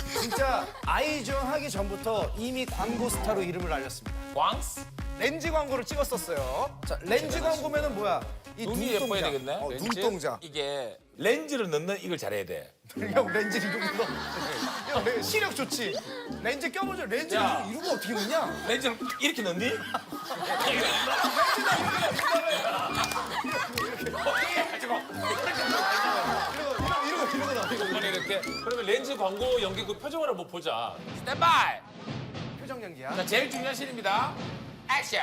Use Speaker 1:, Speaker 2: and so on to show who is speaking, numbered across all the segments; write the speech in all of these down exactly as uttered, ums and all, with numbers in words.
Speaker 1: 진짜 아이즈원 하기 전부터 이미 광고 스타로 이름을 알렸습니다.
Speaker 2: 왕스?
Speaker 1: 렌즈 광고를 찍었었어요. 자, 렌즈 광고면은 뭐야? 이
Speaker 2: 눈이 예뻐야
Speaker 1: 눈동자.
Speaker 2: 되겠네.
Speaker 1: 어,
Speaker 2: 렌즈?
Speaker 1: 눈동자.
Speaker 2: 이게 렌즈를 넣는 이걸 잘해야 돼.
Speaker 1: 형 렌즈 이러고 너. 형 렌- 시력 좋지. 렌즈 껴보죠. 렌즈
Speaker 2: 야.
Speaker 1: 이러고 이러고 어떻게 넣냐?
Speaker 2: 렌즈를 이렇게 넣니?
Speaker 1: 이러고 이러고 이러고 나. 이러고.
Speaker 3: 이번에 이렇게 그러면 렌즈 광고 연기 그 표정을 한번 보자.
Speaker 2: 스탠바이!
Speaker 1: 표정 연기야.
Speaker 2: 자, 제일 중요한 씬입니다. 액션!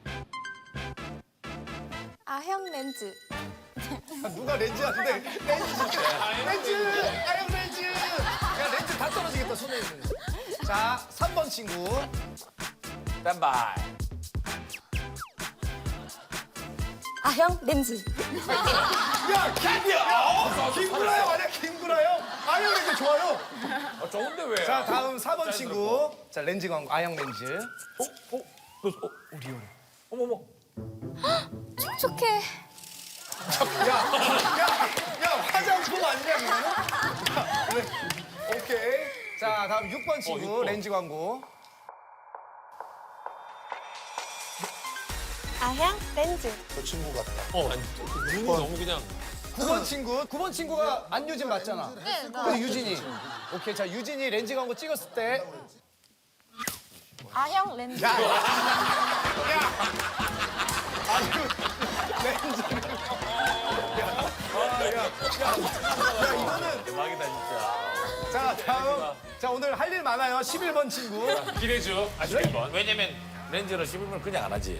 Speaker 4: 아형 렌즈.
Speaker 1: 누가 렌즈 하는데 렌즈 렌즈 아형 렌즈 야 렌즈 다 떨어지겠다 손에 있는 자 삼 번 친구
Speaker 2: 스탠바이!
Speaker 4: 아형 렌즈.
Speaker 1: 야 김구라 김구라요 아니야 김구라요 아형 렌즈 좋아요
Speaker 2: 어, 좋은데 왜?
Speaker 1: 자 다음 사 번 친구 자 렌즈 광고 아형 렌즈
Speaker 2: 어? 어? 너, 어?
Speaker 1: 오 리얼해
Speaker 2: 어머머.
Speaker 4: 촉촉해.
Speaker 1: 야야야 화장품 아니냐 그거는 야, 그래. 오케이 자 다음 육 번 친구
Speaker 3: 육 번.
Speaker 1: 렌즈 광고
Speaker 4: 아형 렌즈.
Speaker 3: 어, 아니, 눈이 너무 그냥
Speaker 1: 구 번 친구 구 번 친구가 안유진 맞잖아
Speaker 4: 네, 나.
Speaker 1: 그 유진이 오케이 자 유진이 렌즈 광고 찍었을 때
Speaker 4: 아형 렌즈.
Speaker 1: 야, 아주 렌즈를. 야, 야, 야, 야, 이거는.
Speaker 2: 대박이다, 진짜.
Speaker 1: 자, 다음. 자, 오늘 할 일 많아요. 십일 번 친구.
Speaker 3: 기대주. 아, 십일 번.
Speaker 2: 왜냐면 렌즈를 씹으면 그냥 안 하지.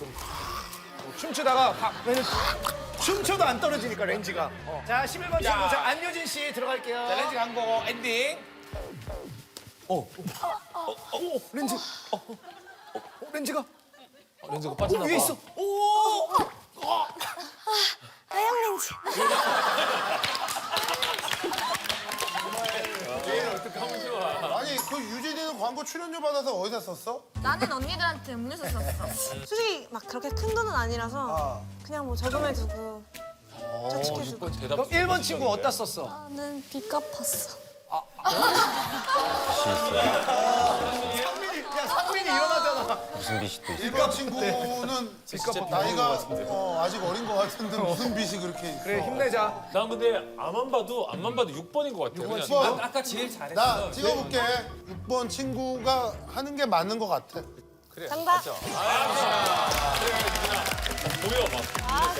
Speaker 1: 춤추다가 확, 왜냐면 춤춰도 안 떨어지니까 렌즈가. 어. 자, 십일 번 친구.
Speaker 2: 야.
Speaker 1: 자, 안효진 씨 들어갈게요.
Speaker 2: 자, 렌즈 광고 엔딩.
Speaker 1: 어, 렌즈. 어, 어, 어, 렌즈가
Speaker 3: 렌즈가
Speaker 1: 어,
Speaker 3: 빠져나가.
Speaker 1: 위에 있어. 오!
Speaker 4: 아형 렌즈.
Speaker 5: 아니 그 유진이는 광고 출연료 받아서 어디다 썼어?
Speaker 4: 나는 언니들한테 음료수 썼어. 솔직히 막 그렇게 큰 돈은 아니라서 그냥 뭐 저금해두고 저축해두고.
Speaker 3: 대답.
Speaker 1: 그럼 일 번 친구 어디다 썼어?
Speaker 4: 나는 빚 갚았어.
Speaker 1: 상민이, 야, 상민이 일어나잖아.
Speaker 5: 일 번 친구는 나이가 어, 아직 어린 것 같은데 무슨 빚이 그렇게 있어?
Speaker 1: 그래, 힘내자.
Speaker 3: 난 근데 앞만 봐도 앞만 봐도 육 번인 것 같아. 그냥.
Speaker 5: 육 번.
Speaker 6: 아까 제일 잘했어.
Speaker 5: 나 찍어볼게. 육 번 친구가 하는 게 맞는 것 같아.
Speaker 4: 정답.
Speaker 3: 보여 막.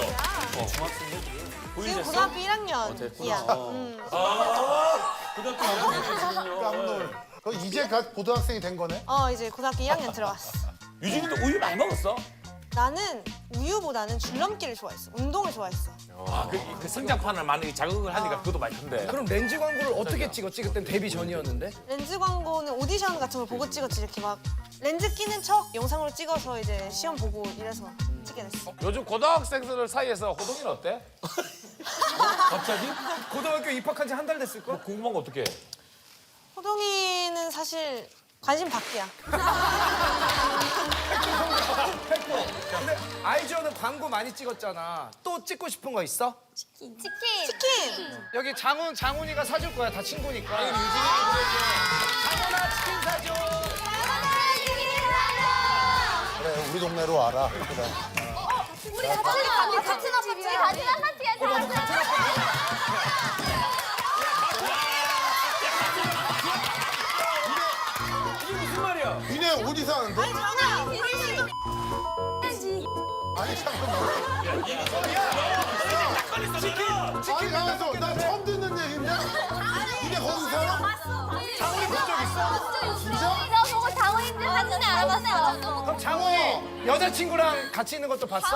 Speaker 4: 지금 고등학교 일 학년이야. 음.
Speaker 3: 고등학교 일 학년에 지금요.
Speaker 5: 깜놀. 그 이제 갓 고등학생이 된 거네?
Speaker 4: 어 이제 고등학교 일 학년 들어갔어.
Speaker 2: 유진이도 우유 많이 먹었어?
Speaker 4: 나는 우유보다는 줄넘기를 좋아했어. 운동을 좋아했어.
Speaker 2: 아, 그, 그 성장판을 많이 자극을 하니까 그것도 많이 큰데.
Speaker 1: 그럼 렌즈 광고를 어떻게 찍었지? 그땐 데뷔 전이었는데?
Speaker 4: 렌즈 광고는 오디션 같은 걸 보고 찍었지. 이렇게 막 렌즈 끼는 척 영상으로 찍어서 이제 시험 보고 이래서 찍게 됐어.
Speaker 2: 요즘 고등학생들 사이에서 호동이는 어때?
Speaker 1: 갑자기? 고등학교 입학한 지 한 달 됐을걸?
Speaker 2: 궁금한 거 어떻게 해?
Speaker 4: 호동이는 사실 관심 밖이야.
Speaker 1: 근데 아이즈원은 광고 많이 찍었잖아. 또 찍고 싶은 거 있어?
Speaker 4: 치킨. 치킨.
Speaker 1: 여기 장훈, 장훈이가 사줄 거야. 다 친구니까. 아니, 유진이 장훈아 치킨 사줘.
Speaker 5: 그래 우리 동네로 와라. 그래.
Speaker 4: 우리 같이 같이 집이야. 같이 같이
Speaker 5: 니네 어디 사는데? 아니 잠깐만. 아니 가만있어. 나 처음 듣는 얘기인데. 니네 거기 살아?
Speaker 4: 장훈이 본적 있어?
Speaker 5: 진짜?
Speaker 4: 너 보고 장훈인데 사진에 알아봤어.
Speaker 1: 그럼 장훈이 여자친구랑 같이 있는 것도 봤어?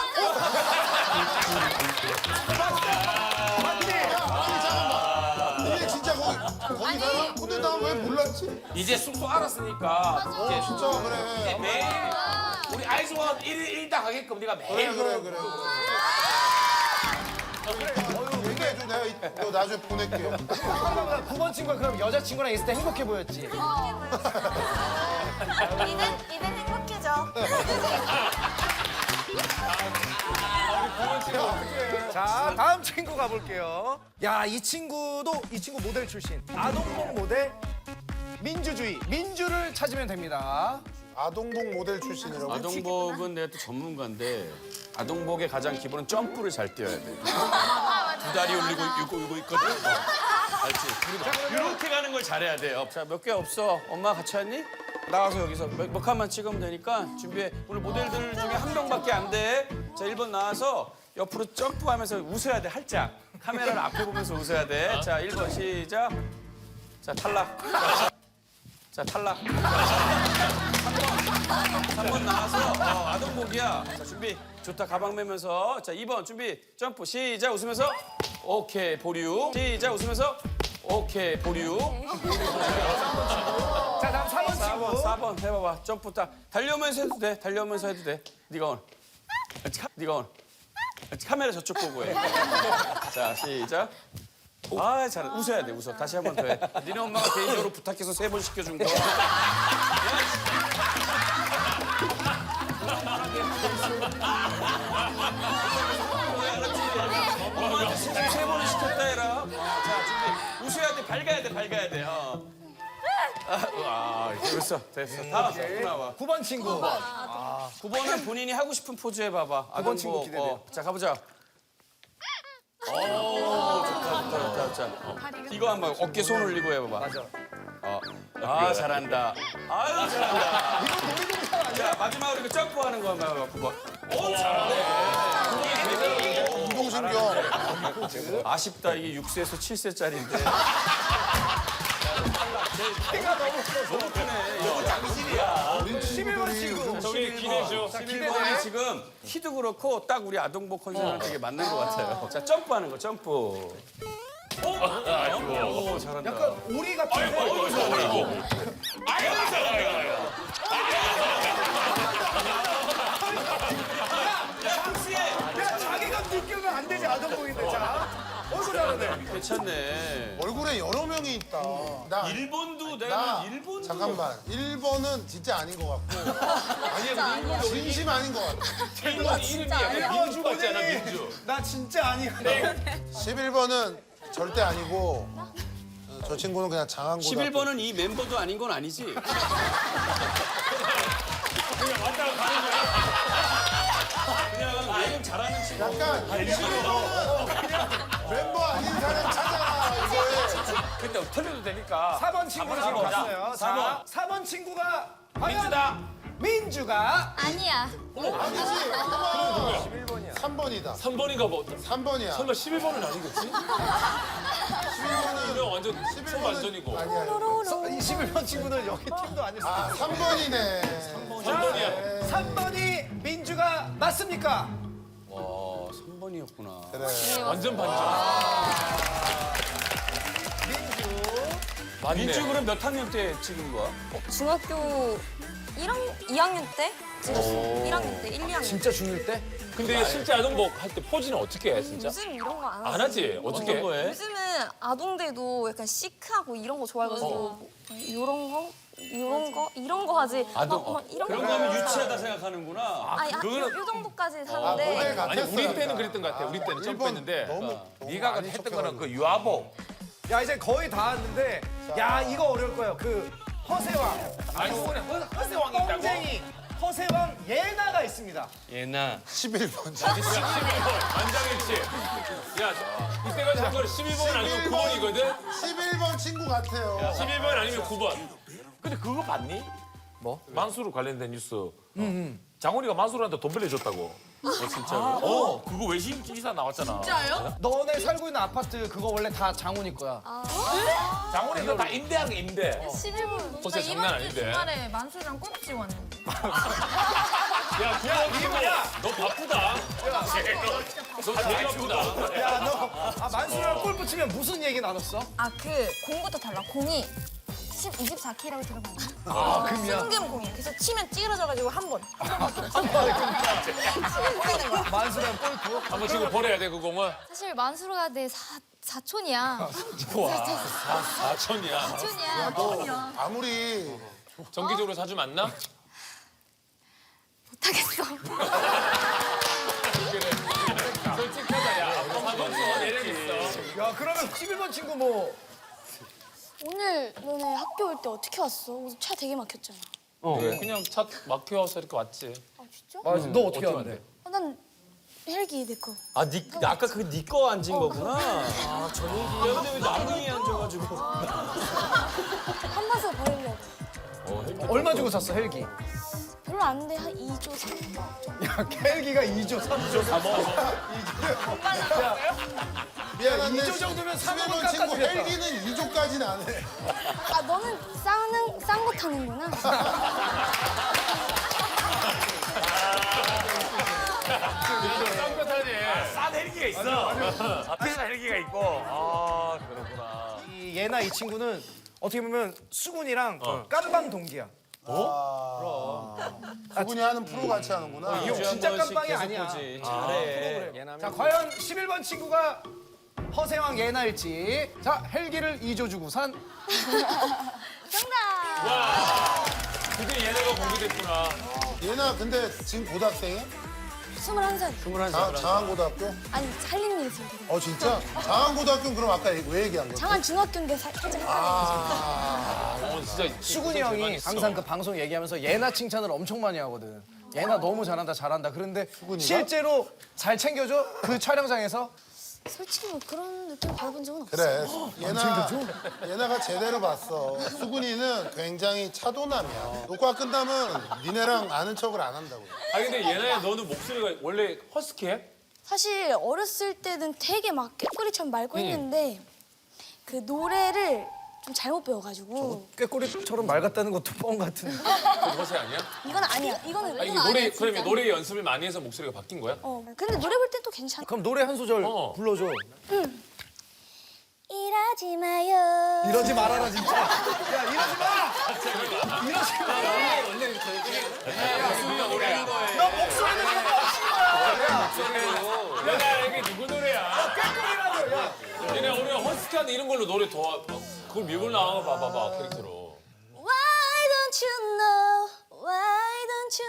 Speaker 5: 아니 잠깐만. 니네 진짜 거기 거기 살아? 근데 나 왜 몰랐지?
Speaker 2: 이제 숙소 알았으니까 이제
Speaker 5: 진짜 그래.
Speaker 2: 매일 우리 아이즈원 일 일 당 하게끔 네가
Speaker 5: 그래
Speaker 2: 매일
Speaker 5: 그래 그래. 어휴 얘기해줘. 내가 이- 이거 나중에 보낼게요.
Speaker 1: 구 번 친구가 그럼 여자친구랑 있을 때 행복해 보였지?
Speaker 4: 이젠 이젠 행복해져.
Speaker 1: 자, 다음 친구 가볼게요. 야, 이 친구도 이 친구 모델 출신. 아동복 모델 민주주의, 민주를 찾으면 됩니다.
Speaker 5: 아동복 모델 출신이라고.
Speaker 6: 아동복은 내가 또 전문가인데 아동복의 가장 기본은 점프를 잘 뛰어야 돼. 두 다리 올리고 이거 이거 있거든. 알지? 그리고 이렇게 가는 걸 잘해야 돼요. 자, 몇 개 없어. 엄마 같이 왔니? 나가서 여기서 몇, 몇 칸만 찍으면 되니까 준비해. 오늘 모델들 중에 한 명밖에 안 돼. 자, 일 번 나와서 옆으로 점프하면서 웃어야 돼. 활짝. 카메라를 앞에 보면서 웃어야 돼. 자, 일 번 시작. 자, 탈락. 자, 탈락. 삼 번 나와서 어, 아동복이야. 자, 준비. 좋다. 가방 메면서. 자, 이 번 준비. 점프. 시작. 웃으면서. 오케이. 보류. 시작. 웃으면서. 오케이. 보류.
Speaker 1: 자, 다음 사 번
Speaker 6: 사 번,
Speaker 1: 친구.
Speaker 6: 사 번 해봐봐. 점프 딱. 달려오면서 해도 돼. 달려오면서 해도 돼. 네가 오늘. 카, 네가 오늘. 카메라 저쪽 보고 해. 자, 시작. 아, 잘해. 웃어야 돼, 웃어. 다시 한 번 더 해. 니네 엄마가 개인적으로 부탁해서 세 번 시켜준 거. 엄마한테 진짜 세 번을 시켰다 해라. 어, 자, 준비. 웃어야 돼, 밝아야 돼, 밝아야 돼. 어. 아, 아, 됐어, 됐어. 다 왔어. 또 나와.
Speaker 1: 구 번 친구.
Speaker 6: 구 번은 본인이 하고 싶은 포즈 해봐봐. 구
Speaker 1: 번 친구 기대돼요.
Speaker 6: 자, 가보자. 오, 좋다, 좋다, 좋다, 좋다. 어. 이거 한번 어깨 손 올리고 해봐봐.
Speaker 1: 맞아.
Speaker 6: 어. 아, 잘한다. 아유, 잘한다.
Speaker 1: 이거 놀이동산 아니야?
Speaker 6: 자, 마지막으로 이거 점프하는 거 한번 해봐, 구 번. 오, 잘하네.
Speaker 5: 운동신경.
Speaker 6: 아쉽다, 이게 육 세에서 칠 세짜리인데.
Speaker 1: 키가 너무 커서.
Speaker 6: 너무 크네. 이거 장신이야.
Speaker 1: 십일 번 친구.
Speaker 3: 저기 기대죠.
Speaker 6: 십일 번이 지금 키도 그렇고 딱 우리 아동복 컨셉이랑 되게 맞는 것 같아요. 자, 점프하는 거, 점프. 오, 잘한다.
Speaker 1: 약간 오리 같은데? 야, 자기가 느끼면 안 되지, 아동복인데. 자, 어서 잘하네.
Speaker 6: 괜찮네.
Speaker 5: 얼굴에 여러 명이 있다. 나,
Speaker 6: 일본도
Speaker 5: 나
Speaker 6: 내가 일본도
Speaker 5: 잠깐만. 일 번은 진짜 아닌 것 같고. 아니야, 진심 아닌 것 같아.
Speaker 3: 일본 이름이 약간 민주 같잖아, 민주.
Speaker 1: 나 진짜 아니거든.
Speaker 5: 십일 번은 절대 아니고 어, 저 친구는 그냥 장한 고등학교.
Speaker 6: 십일 번은 이 멤버도 아닌 건 아니지?
Speaker 3: 그냥 왔다 가는 거야.
Speaker 6: 그냥 예능 잘하는 친구.
Speaker 5: 약간 십일 번은 그냥 멤버 아닌 사람 찾아라 이거에.
Speaker 2: 근데 틀려도 되니까.
Speaker 1: 사 번 친구는 지금
Speaker 2: 가보자.
Speaker 1: 갔어요.
Speaker 2: 사 번.
Speaker 1: 자, 사 번 친구가 과연
Speaker 2: 민주다.
Speaker 1: 민주가
Speaker 7: 아니야.
Speaker 5: 아니지. 잠깐만. 삼 번이다.
Speaker 3: 삼 번인가 뭐.
Speaker 5: 삼 번이야.
Speaker 3: 설마 십일 번은 아니겠지?
Speaker 5: 십일 번은
Speaker 3: 그냥 완전
Speaker 5: 십일
Speaker 3: 총
Speaker 5: 번은
Speaker 3: 완전이고.
Speaker 5: 아니야.
Speaker 1: 서- 이 십일 번 친구는 여기 팀도 아닐 수도
Speaker 5: 아, 삼 번이네.
Speaker 3: 삼 번이야.
Speaker 1: 삼 번이 민주가 맞습니까?
Speaker 6: 와, 삼 번이었구나.
Speaker 5: 그래.
Speaker 3: 완전 반전.
Speaker 1: 민주.
Speaker 3: 맞네.
Speaker 6: 민주 그럼 몇 학년 때 찍은 거야?
Speaker 4: 중학교 일 학년, 이 학년 때 찍었어. 일 학년 때, 일, 이 학년.
Speaker 1: 진짜 중일 때?
Speaker 3: 근데 실제 아동복 할 때 포즈는 어떻게 해, 진짜?
Speaker 4: 요즘 이런 거 안 하지.
Speaker 3: 안 하지? 어떻게 해?
Speaker 6: 거에?
Speaker 4: 요즘은 아동들도 약간 시크하고 이런 거 좋아해가지고 이런 거, 이런 거, 이런 거 하지.
Speaker 6: 아동,
Speaker 4: 막, 막 이런
Speaker 6: 그런
Speaker 4: 거.
Speaker 6: 거 하면 유치하다 생각하는구나.
Speaker 4: 아니, 요, 요 정도까지
Speaker 5: 아,
Speaker 4: 하는데.
Speaker 5: 모델 같았어.
Speaker 3: 아니, 우리 때는 그랬던 것 같아. 우리 때는 점프했는데.
Speaker 5: 너무, 너무
Speaker 2: 네가
Speaker 5: 많이
Speaker 2: 했던
Speaker 5: 척해가지고.
Speaker 2: 거는 그 유아복.
Speaker 1: 야, 이제 거의 다 왔는데, 야, 이거 어려울 거예요. 그 허세왕.
Speaker 2: 아니, 손에 허- 허세왕이 있다고?
Speaker 1: 뻥쟁이 허세왕 예나가 있습니다.
Speaker 6: 얘나.
Speaker 5: 십일 번.
Speaker 3: 십일 번. 안장했지? 야, 이때가 잠깐 십일 번은 아니고 구 번이거든?
Speaker 5: 십일 번 친구 같아요.
Speaker 3: 십일 번 아니면 구 번.
Speaker 2: 근데 그거 봤니? 뭐? 만수르 관련된 뉴스. 장훈이가 만수르한테 돈 빌려줬다고.
Speaker 6: 어, 진짜로?
Speaker 2: 어, 그거 외신 기사 나왔잖아.
Speaker 4: 진짜요?
Speaker 1: 너네 살고 있는 아파트 그거 원래 다 장훈이 거야.
Speaker 2: 장훈이가 다 임대한 거 임대.
Speaker 7: 십일 분.
Speaker 3: 허세 장난 아닌데.
Speaker 7: 주말에 만수랑 꽁치 왔는데.
Speaker 3: 야, 구번 야, 너 바쁘다. 너 되게 바쁘다.
Speaker 1: 야, 너, 아, 만수랑 골프 치면 무슨 얘기 나눴어?
Speaker 7: 아, 그 공부도 달라. 공이 이십사 킬로그램이라고 들어봤나?
Speaker 1: 아, 금이야.
Speaker 7: 순금 공이야. 그래서 치면 찌그러져가지고 한 번.
Speaker 1: 만수랑 골프?
Speaker 3: 한번 지금 버려야 돼, 그 공은.
Speaker 7: 사실 만수가 내 사, 사촌이야.
Speaker 3: 사천이야.
Speaker 7: 사촌이야.
Speaker 5: 너 아무리
Speaker 3: 정기적으로 자주 만나?
Speaker 7: 못하겠어.
Speaker 3: 솔직하다, 야. 한번 더 매력 있어.
Speaker 1: 야, 그러면 십일 번 친구 뭐,
Speaker 8: 오늘 너네 학교 올 때 어떻게 왔어? 오늘 차 되게 막혔잖아.
Speaker 3: 그냥 차 막혀서 이렇게 왔지.
Speaker 8: 아 진짜?
Speaker 1: 아, 너 어떻게 하는데?
Speaker 8: 어, 난 헬기 내 거.
Speaker 6: 아, 니, 아까 그거 니 거 앉은 거구나. 아, 저 얘기. 야, 근데 왜 나무 위에 앉아가지고.
Speaker 8: 한 번서 버리려고.
Speaker 1: 얼마 주고 샀어 헬기?
Speaker 8: 별로 안 돼. 한 이 조 삼 조.
Speaker 1: 야 헬기가 이 조 삼 조 삼 억.
Speaker 5: 미안한데
Speaker 1: 이 조 정도면 삼 억은
Speaker 5: 친구
Speaker 1: 깎아주겠다.
Speaker 5: 헬기는 이 조까지는 안 해.
Speaker 8: 아 너는 싼 싼 거 타는구나.
Speaker 3: 쌍꺼 타지.
Speaker 2: 싼 헬기가 있어. 비싼 헬기가 있고. 아 그렇구나.
Speaker 1: 이 얘나 이 친구는 어떻게 보면 수근이랑 깜방 동기야.
Speaker 5: 그분이 하는 프로 같이 하는구나.
Speaker 1: 이 형 진짜 깜방이 아니야.
Speaker 6: 잘해.
Speaker 1: 자 과연 십일 번 친구가 허세왕 예나일지. 자 헬기를 이 조 주고 산.
Speaker 8: 정답.
Speaker 3: 드디어 얘네가 공개됐구나.
Speaker 5: 얘나 근데 지금 고등학생이야?
Speaker 8: 스물한 살.
Speaker 5: 장, 장안고등학교?
Speaker 8: 아니 살림 일했을 때.
Speaker 5: 어 진짜? 장안고등학교는 그럼 아까 왜 얘기한 거야?
Speaker 8: 장안 중학교인데 살- 살짝 헷갈려.
Speaker 3: 어, 진짜
Speaker 1: 수근이 형이 항상 그 방송 얘기하면서 예나 칭찬을 엄청 많이 하거든. 예나 너무 잘한다 잘한다. 그런데 실제로 잘 챙겨줘? 그 촬영장에서?
Speaker 8: 솔직히 뭐 그런 느낌 받아본 적은 없어.
Speaker 5: 그래. 얘나, 얘나가 제대로 봤어. 수근이는 굉장히 차도남이야. 녹화 끝나면 니네랑 아는 척을 안 한다고.
Speaker 3: 아 근데 얘네야 너는 목소리가 원래 허스키해?
Speaker 8: 사실 어렸을 때는 되게 막 꾀꼬리처럼 맑고 했는데 그 노래를 좀 잘못 배워가지고
Speaker 1: 꾀꼬리처럼 맑았다는 것도 뻥 같은데.
Speaker 3: 그 허세 아니야?
Speaker 8: 이건 아니야. 이거는
Speaker 3: 아 이게 노래 그러면 노래 연습을 많이 해서 목소리가 바뀐 거야?
Speaker 8: 어 근데 노래 볼 땐 또 괜찮아.
Speaker 1: 그럼 노래 한 소절
Speaker 3: 어.
Speaker 1: 불러줘.
Speaker 8: 이러지 마요.
Speaker 1: 이러지 말아라 진짜. 야 이러지 마. 이러지 마.
Speaker 3: 목소리가 노래야.
Speaker 1: 너 목소리는 이거
Speaker 3: 얘네 이게 누구 노래야?
Speaker 1: 꾀꼬리라고. 야.
Speaker 3: 얘네 오늘 허스키한 이런 걸로 노래 더 그걸 밀고 나와 봐봐봐 캐릭터로.
Speaker 8: Why don't you know? Why don't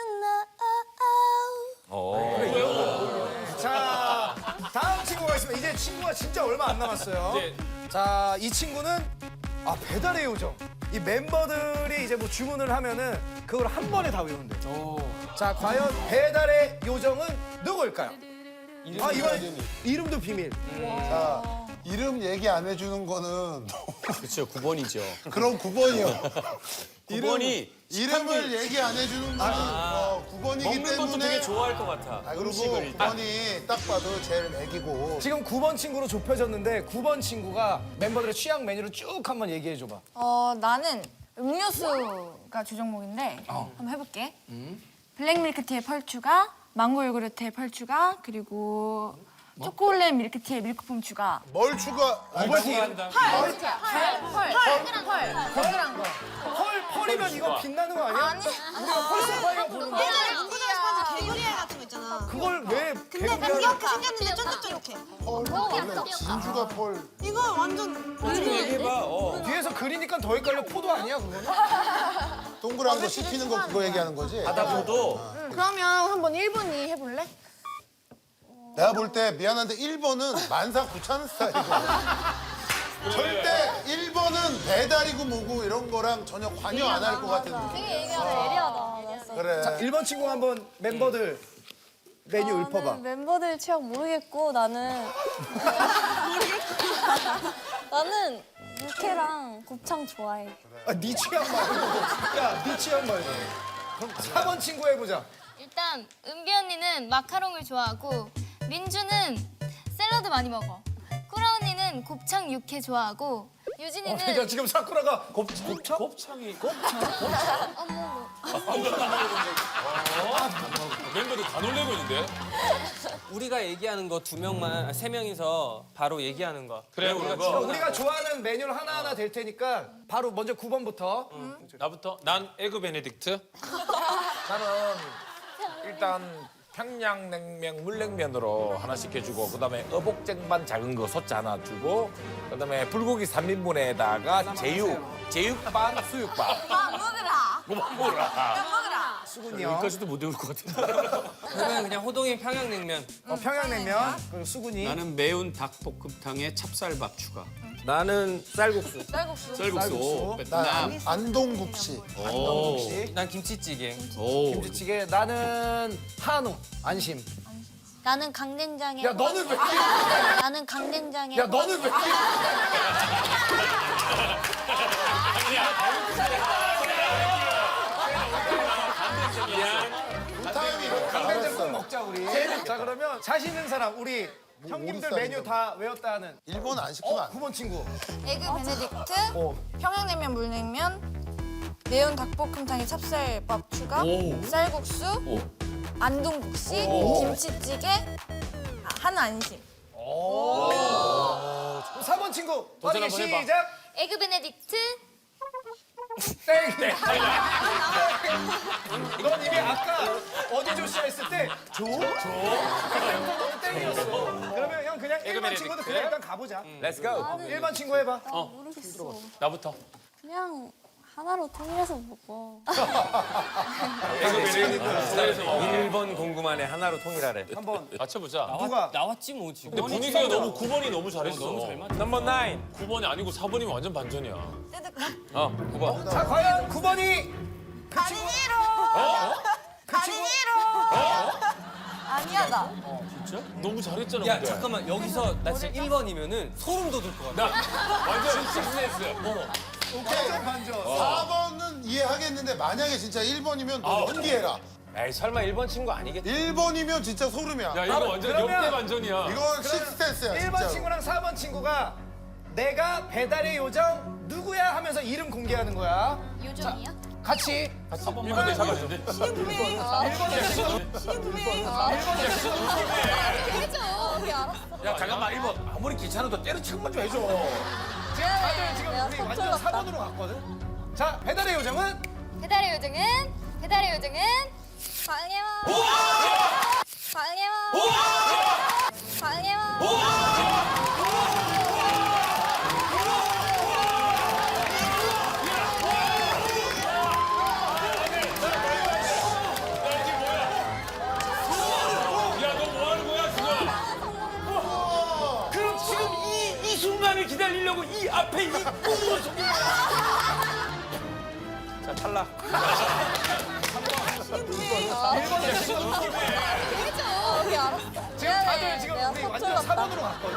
Speaker 8: you know?
Speaker 1: 자 다음 친구가 있습니다. 이제 친구가 진짜 얼마 안 남았어요.
Speaker 3: 이제
Speaker 1: 자 이 친구는 아 배달의 요정. 이 멤버들이 이제 뭐 주문을 하면은 그걸 한 번에 다 외운대. 자 과연 배달의 요정은 누구일까요? 아 이번 이름도 비밀.
Speaker 5: 자, 이름 얘기 안 해주는 거는
Speaker 6: 그렇죠, 구 번이죠.
Speaker 5: 그럼 구 번이요.
Speaker 6: 구 번이
Speaker 5: 이름을 얘기 안 해주는 거는 어, 구 번이기
Speaker 6: 먹는 것도
Speaker 5: 때문에.
Speaker 6: 되게 좋아할 것 같아.
Speaker 5: 아, 그리고 구 번이 딱 봐도 제일 애기고.
Speaker 1: 지금 구 번 친구로 좁혀졌는데 구 번 친구가 멤버들의 취향 메뉴를 쭉 한번 얘기해 줘봐.
Speaker 7: 어, 나는 음료수가 주 종목인데 한번 해볼게. 블랙 밀크티에 펄 추가, 망고 요구르트에 펄 추가, 그리고 초콜릿 밀크티에 밀크폼 추가.
Speaker 5: 뭘 추가?
Speaker 1: 오버티.
Speaker 7: 펄, 펄, 펄, 펄, 펄, 거.
Speaker 1: 펄 펄이면 이거 빛나는 거 아니야?
Speaker 7: 아니,
Speaker 1: 우리가 펄스파이어 부르는 거.
Speaker 4: 예전에 문구점에서 파는 개구리 알 같은 거 있잖아.
Speaker 1: 그걸 왜
Speaker 4: 근데
Speaker 1: 개구리야?
Speaker 4: 이렇게 생겼는데 쫀득쫀득해.
Speaker 5: 펄, 원래 진주가 펄.
Speaker 4: 이거 완전
Speaker 1: 뒤에서 그리니까 더 헷갈려. 포도 아니야 그거는?
Speaker 5: 동그란 거 씹히는 거 그거 얘기하는 거지?
Speaker 6: 바다포도.
Speaker 7: 그러면 한번 일 분이 해볼래?
Speaker 5: 내가 볼 때 미안한데 일 번은 만사 구차는 스타일이거든. 절대 일 번은 배달이고 뭐고 이런 거랑 전혀 관여 안 할 것 같은 느낌.
Speaker 8: 되게 예리하다. 예리하다.
Speaker 5: 그래.
Speaker 1: 자, 일 번 친구 한번 멤버들 메뉴 읊어봐.
Speaker 8: 멤버들 취향 모르겠고 나는 나는 육회랑 곱창 좋아해.
Speaker 1: 아, 네 취향 말고. 야, 네 취향 말고. 그럼 사 번 친구 해보자.
Speaker 9: 일단 은비 언니는 마카롱을 좋아하고 민주는 샐러드 많이 먹어. 꾸라 언니는 곱창 육회 좋아하고 유진이는
Speaker 1: 그러니까 지금 사쿠라가 곱, 곱창?
Speaker 3: 곱창이
Speaker 9: 어머
Speaker 3: 멤버들 다 놀래고 있는데.
Speaker 10: 우리가 얘기하는 거 두 명만, 세 명이서 바로 얘기하는 거.
Speaker 3: 그래 우리가
Speaker 1: 그럼 우리가 좋아하는 메뉴를 하나하나 될 테니까 바로 먼저 구 번부터.
Speaker 3: 나부터 난 에그 베네딕트.
Speaker 2: 나는 일단 평양냉면 물냉면으로 하나씩 해주고 그다음에 어복쟁반 작은 거 소짜 하나 주고 그다음에 불고기 삼 인분에다가 제육 제육반 수육반
Speaker 4: 아 먹으라.
Speaker 2: 뭐 먹어라
Speaker 4: 먹으라.
Speaker 1: 수근이 형.
Speaker 2: 여기까지도 못 외울 것 같은데.
Speaker 10: 그러면 그냥 호동이 평양냉면.
Speaker 1: 어, 평양냉면. 그리고 수근이.
Speaker 6: 나는 매운 닭볶음탕에 찹쌀밥 추가.
Speaker 10: 나는 쌀국수.
Speaker 7: 쌀국수.
Speaker 6: 쌀국수. 오,
Speaker 5: 나
Speaker 6: 베트남.
Speaker 5: 안- 안동국시.
Speaker 6: 오.
Speaker 10: 난 김치찌개.
Speaker 6: 오.
Speaker 1: 김치찌개. 나는 한우. 안심.
Speaker 8: 나는 강된장에.
Speaker 1: 야 너는 왜?
Speaker 8: 나는 강된장에.
Speaker 1: 야 너는 왜?
Speaker 5: 타임이
Speaker 1: 강된장 꼭 먹자 우리. 자 그러면 자신 있는 사람 우리 형님들
Speaker 5: 오리
Speaker 1: 메뉴 다 외웠다는.
Speaker 5: 일본 안 시키면
Speaker 1: 어
Speaker 5: 안 돼.
Speaker 1: 구 번 친구.
Speaker 7: 에그 베네딕트,
Speaker 1: 어.
Speaker 7: 평양냉면, 물냉면, 매운 닭볶음탕에 찹쌀밥 추가, 쌀국수, 안동국시, 김치찌개, 아, 한 안심.
Speaker 1: 사 번 친구.
Speaker 2: 도전
Speaker 1: 빠르게
Speaker 2: 한번 해봐.
Speaker 1: 시작.
Speaker 9: 에그 베네딕트.
Speaker 1: 땡. 넌 이미 아까 어디 조시아 했을 때 조? 조. 그때부터 너는 땡이었어. 그러면 형 그냥 일 번
Speaker 2: 베네딕트.
Speaker 1: 친구도 그냥 일단 가보자.
Speaker 2: Let's go.
Speaker 1: 일 번 친구 해봐.
Speaker 8: 모르겠어.
Speaker 2: 나부터.
Speaker 8: 그냥 하나로 통일해서 먹어.
Speaker 10: 일 번 궁금하네 하나로 통일하래.
Speaker 1: 한번
Speaker 2: 맞춰보자.
Speaker 1: 누가?
Speaker 10: 나왔지 뭐 지금.
Speaker 3: 근데 분위기가 너무 구 번이 너무 잘했어.
Speaker 10: 너무 잘 맞아.
Speaker 2: 넘버 나인.
Speaker 3: 구 번이 아니고 사 번이면 완전 반전이야.
Speaker 10: 어, 구 번.
Speaker 1: 자 과연 구 번이 그 친구. 그 친구.
Speaker 7: 아니야 나.
Speaker 3: 너무 잘했잖아.
Speaker 10: 야
Speaker 3: 근데.
Speaker 10: 잠깐만 여기서 나 진짜 일 번이면은 소름 돋을 것 같아.
Speaker 3: 나 완전 식스센스.
Speaker 5: 오케이.
Speaker 1: 반전.
Speaker 5: 사 번은 이해하겠는데 만약에 진짜 일 번이면 너 연기해라.
Speaker 10: 에이 설마 일 번 친구 아니겠지?
Speaker 5: 일 번이면 진짜 소름이야.
Speaker 3: 야 이거 완전
Speaker 1: 그러면-
Speaker 3: 역대 반전이야.
Speaker 5: 이건 식스센스야
Speaker 1: 일 번
Speaker 5: 진짜로.
Speaker 1: 친구랑 사 번 친구가 내가 배달의 요정 누구야 하면서 이름 공개하는 거야.
Speaker 9: 요정이야?
Speaker 1: 같이.
Speaker 3: 일 번 내 잡았는데.
Speaker 1: 일 번 친구.
Speaker 9: 해줘. 우리 알았어.
Speaker 2: 야 잠깐만 일 번. 아무리 귀찮아도 때려치기만 좀 해줘.
Speaker 1: 지금 다들 지금 우리 완전 사 번으로 갔거든. 자 배달의 요정은
Speaker 9: 배달의 요정은 배달의 요정은 광해와. 광해와. 광해와.
Speaker 3: 야 너 뭐 하는 거야 지금?
Speaker 2: 그럼 지금 이, 이 순간을 기다리려고 이 앞에 이 꿈을 속인 거야.
Speaker 10: 자 탈락.
Speaker 9: 해줘. 우리 알았어.
Speaker 1: 지금 다들 지금 우리 완전 사 번으로 갔거든.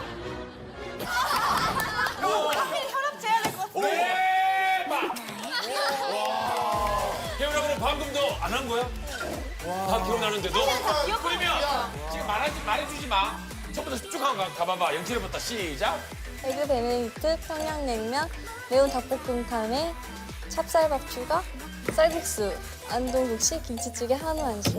Speaker 7: 혈압 재야 될 것 같아.
Speaker 2: 대박.
Speaker 3: 혜연아 그럼 방금도 안 한 거야? 다 기억나는데도?
Speaker 2: 그러면 지금 말하지 말해주지 마. 처음부터 쭉 가, 가봐봐. 영철이부터 시작.
Speaker 8: 에그 베네딕트, 평양냉면, 매운 닭볶음탕에 찹쌀밥 추가, 쌀국수, 안동국시, 김치찌개, 한우 안심.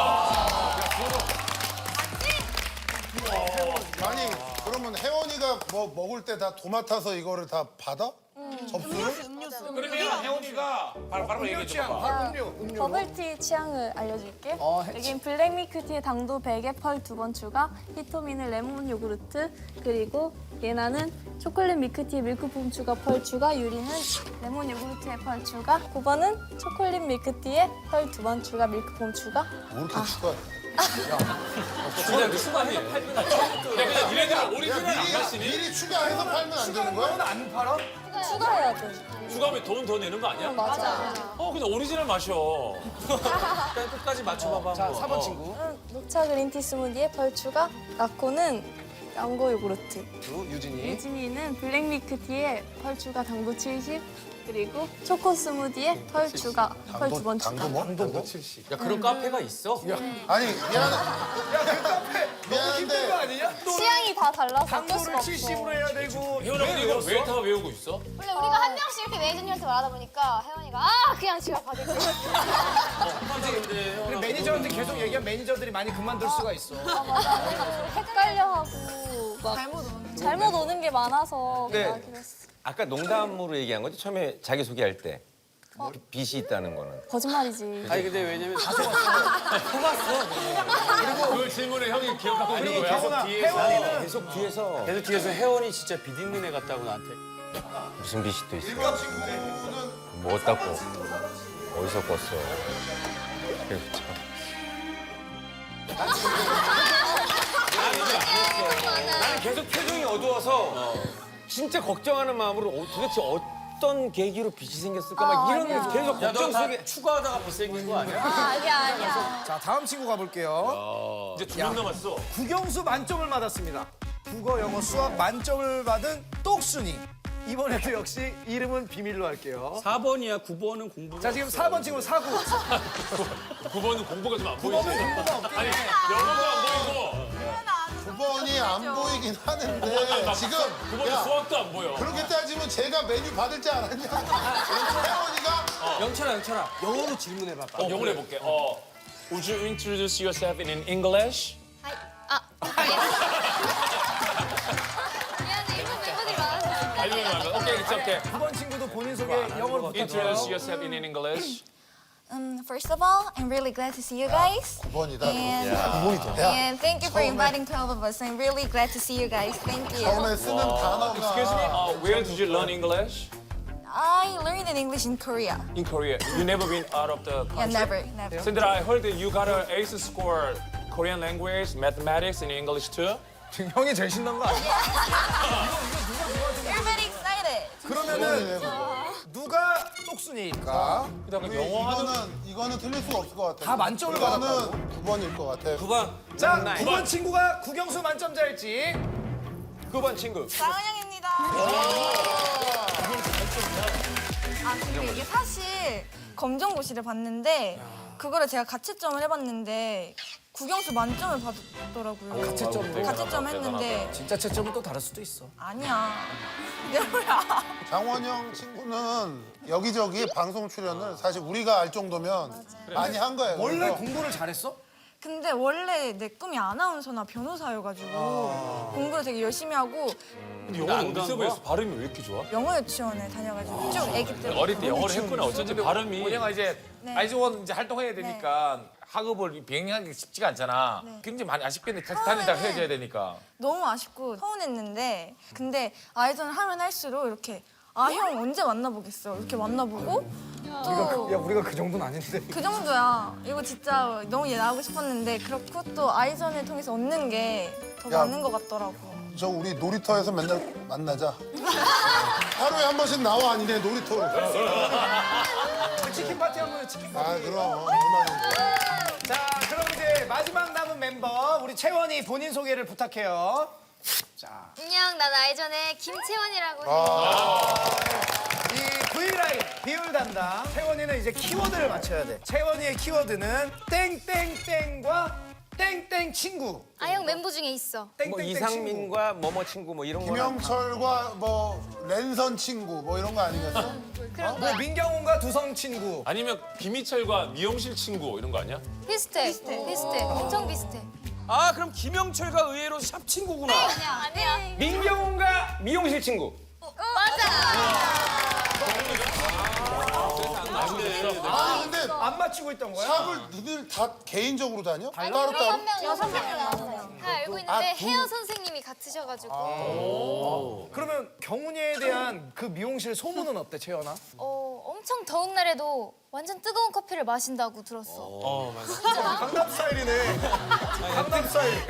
Speaker 5: 아니 그러면 혜원이가 뭐 먹을 때 다 도맡아서 이거를 다 받아? 접수를?
Speaker 2: 그러면 혜원이가 바로 바로 얘기해
Speaker 1: 취향,
Speaker 2: 줘봐.
Speaker 1: 바로 음료, 음료.
Speaker 8: 버블티 취향을 알려줄게.
Speaker 1: 어, 해치.
Speaker 8: 여긴 블랙 밀크티에 당도 백에 펄 두 번 추가, 히토미는 레몬 요구르트, 그리고 예나는 초콜릿 밀크티에 밀크폼 추가 펄 추가, 유리는 레몬 요구르트에 펄 추가, 구 번은 초콜릿 밀크티에 펄 두 번 추가, 밀크폼 추가.
Speaker 5: 뭐 이렇게 추가해?
Speaker 10: 그냥 추가해서 팔면 안 돼.
Speaker 3: 야 그냥 니네들 오리지널 안
Speaker 5: 미리,
Speaker 3: 갔으니
Speaker 5: 미리 추가해서 팔면 안 되는 거야?
Speaker 1: 안 팔아?
Speaker 8: 추가해야 돼.
Speaker 3: 추가하면 돈 더 내는 거 아니야?
Speaker 8: 맞아.
Speaker 3: 어 그냥 오리지널 마셔.
Speaker 10: 일단 끝까지 맞춰봐봐.
Speaker 1: 자
Speaker 10: 뭐.
Speaker 1: 사 번 친구.
Speaker 8: 응, 녹차 그린티 스무디에 펄 추가, 라코는 양고 요구르트.
Speaker 1: 그리고 유진이.
Speaker 8: 유진이는 블랙 밀크티에 펄 추가 당도 칠십, 그리고 초코 스무디에 펄 추가, 펄 두 번 추가.
Speaker 5: 당도 뭐? 당도 칠십.
Speaker 10: 야 그런 카페가 있어?
Speaker 5: 아니 미안해.
Speaker 1: 야그 카페 너무 힘든 거
Speaker 5: 미안한데
Speaker 1: 아니냐? 또
Speaker 8: 취향이 다 달라서 어쩔 수가
Speaker 1: 당도를
Speaker 8: 없어.
Speaker 1: 칠십으로 해야 되고.
Speaker 3: 혜연아 근데 이거 왜 다 외우고 있어?
Speaker 9: 원래 우리가 한 명씩 이렇게 매니저한테 말하다 보니까 혜원이가 아 그냥 지가 받을 거야.
Speaker 1: 그리고 매니저한테 계속 얘기하면 매니저들이 많이 그만둘 수가 있어.
Speaker 8: 아, 맞아. 헷갈려하고 막 잘못 오는, 잘못 오는 게 많아서
Speaker 10: 네.
Speaker 8: 그냥 그랬어.
Speaker 10: 아까 농담으로 얘기한 거지 처음에 자기 소개할 때 빚이 있다는 거는.
Speaker 8: 거짓말이지.
Speaker 6: 아니 근데 왜냐면
Speaker 3: 그 질문에 형이 기억하고 있는
Speaker 1: 그리고
Speaker 3: 거야?
Speaker 1: 혜원아, 혜원이는
Speaker 6: 계속 뒤에서 계속 뒤에서 혜원이 진짜 빚 있는 애 같다고 나한테.
Speaker 10: 무슨 빚이 또 있어?
Speaker 5: 일반 친구는
Speaker 10: 뭐 닦고 어디서 꿨어? 나는 계속 표정이 어두워서 진짜 걱정하는 마음으로 어, 도대체 어떤 계기로 빛이 생겼을까 막 이런 게 계속
Speaker 6: 야,
Speaker 10: 걱정
Speaker 6: 너 다
Speaker 10: 속에
Speaker 6: 추가하다가 못생긴 거 아니야?
Speaker 8: 아, 아니야, 아니야.
Speaker 1: 자, 다음 친구 가볼게요.
Speaker 3: 이제 두 명 남았어.
Speaker 1: 국영수 만점을 받았습니다. 국어, 영어, 수학 만점을 받은 똑순이. 이번에도 역시 이름은 비밀로 할게요.
Speaker 6: 사 번이야. 구 번은 공부.
Speaker 1: 자, 지금 사 번 친구 사구.
Speaker 3: 구 번은 공부가 좀 안 보이지.
Speaker 1: 공부가 없긴 해.
Speaker 3: 영어가 안 보이고
Speaker 5: 구 번이 안 보이긴 하는데 지금
Speaker 3: 구 번은
Speaker 5: 야
Speaker 3: 수학도 안 보여.
Speaker 5: 그렇게 따지면 제가 메뉴 받을 줄 알았냐? 태원이가
Speaker 10: 영철아 영철아 영어로 질문해봐.
Speaker 3: 어, 영어로 해볼게. 어, Would you introduce yourself in English?
Speaker 9: 하이. 아, 미안해. 일본 멤버들이 많아서.
Speaker 3: 알려면 말면. 오케이, it's okay.
Speaker 1: 구 번 친구도 본인 소개 영어로
Speaker 3: Introduce
Speaker 1: 부탁드려요.
Speaker 3: yourself in English.
Speaker 7: Um, first of all, I'm really glad to see you guys.
Speaker 5: 구 번이다.
Speaker 7: And, and thank you for inviting twelve of us. I'm really glad to see you guys. Thank you.
Speaker 5: 처음에 쓰는
Speaker 3: Excuse me.
Speaker 5: 단어가
Speaker 3: Uh, where did you learn English?
Speaker 7: I learned in English in Korea.
Speaker 3: In Korea. You never been out of the
Speaker 7: Yeah,
Speaker 3: country?
Speaker 7: never, never.
Speaker 3: Sandra, I heard that you got an ace score Korean language, mathematics, and English too.
Speaker 1: 지금 형이 제일 신난 거 아니야?
Speaker 7: You're very excited.
Speaker 1: 그러면은 누가 똑순이일까?
Speaker 3: 그다음에 영어 하는
Speaker 5: 이거는 이거는 틀릴 수가 없을 것 같아.
Speaker 1: 다 만점을
Speaker 5: 이거는 구 번일 것 같아.
Speaker 10: 구 번.
Speaker 1: 자, 구 번 친구가 국영수 만점자일지.
Speaker 10: 구 번 친구.
Speaker 7: 장은영입니다. 아 근데 이게 사실 검정고시를 봤는데 그거를 제가 가채점을 해봤는데 국영수 만점을 받았더라고요.
Speaker 1: 가채점으로?
Speaker 7: 가채점 했는데
Speaker 1: 진짜 채점은 또 다를 수도 있어.
Speaker 7: 아니야. 이게 뭐야?
Speaker 5: 장원영 친구는 여기저기 방송 출연을 사실 우리가 알 정도면 많이 한 거예요.
Speaker 1: 원래
Speaker 5: 그래서
Speaker 1: 공부를 잘했어?
Speaker 7: 근데 원래 내 꿈이 아나운서나 변호사여가지고 공부를 되게 열심히 하고
Speaker 3: 영어 어디서 배웠어? 발음이 왜 이렇게 좋아?
Speaker 7: 영어 유치원에 다녀가지고 쭉 애기 때
Speaker 3: 어릴 때 영어를 했구나. 어쩐지 발음이.
Speaker 2: 뭐냐가 이제
Speaker 7: 네.
Speaker 2: 아이즈원 이제 활동해야 되니까 학업을 병행하기 쉽지가 않잖아.
Speaker 7: 네.
Speaker 2: 굉장히 많이 아쉽겠네. 같이 다니다가 헤어져야 되니까.
Speaker 7: 너무 아쉽고 서운했는데 근데 아이전을 하면 할수록 이렇게 아 형 언제 만나보겠어 이렇게 만나보고 또
Speaker 1: 야, 우리가 그 정도는 아닌데.
Speaker 7: 그 정도야. 이거 진짜 너무 얘 나오고 싶었는데 그렇고 또 아이전을 통해서 얻는 게 더
Speaker 5: 야.
Speaker 7: 많은 것 같더라고.
Speaker 5: 저 우리 놀이터에서 맨날 만나자. 하루에 한 번씩 나와 아니네 놀이터로.
Speaker 1: 치킨 파티 한번 해, 치킨 파티.
Speaker 5: 아 그럼 얼마나.
Speaker 1: 자, 그럼 이제 마지막 남은 멤버 우리 채원이 본인 소개를 부탁해요. 자,
Speaker 9: 안녕, 난 아이전의 김채원이라고 해.
Speaker 1: 이 V라인 비율 담당 채원이는 이제 키워드를 맞춰야 돼. 채원이의 키워드는 땡땡땡과 땡땡 친구.
Speaker 9: 아형 멤버 중에 있어.
Speaker 10: 뭐
Speaker 1: 땡땡땡 친구.
Speaker 10: 이상민과 뭐뭐 친구 뭐 이런 거.
Speaker 5: 김영철과 뭐 랜선 친구 뭐 이런 거 아니겠어?
Speaker 9: 그런
Speaker 1: 뭐
Speaker 9: 거야.
Speaker 1: 민경훈과 두성 친구.
Speaker 3: 아니면 김희철과 미용실 친구 이런 거 아니야?
Speaker 9: 비슷해. 비슷해. 엄청 비슷해.
Speaker 6: 아 그럼 김영철과 의외로 샵 친구구나.
Speaker 9: 아니야. 아니야.
Speaker 10: 민경훈과 미용실 친구.
Speaker 9: 맞아.
Speaker 5: 아 근데
Speaker 1: 안 맞추고 있던 거야?
Speaker 5: 샵을 너희들 다 개인적으로 다녀? 따로
Speaker 9: 한
Speaker 5: 따로?
Speaker 9: 명 여섯 명 나왔어요. 다 알고 있는데
Speaker 5: 아, 두-
Speaker 9: 헤어 선생님이 같으셔가지고
Speaker 1: 그러면 경훈이에 대한 그 미용실 소문은 어때, 채연아?
Speaker 9: 어, 엄청 더운 날에도 완전 뜨거운 커피를 마신다고 들었어.
Speaker 1: 강남 스타일이네. 강남 스타일.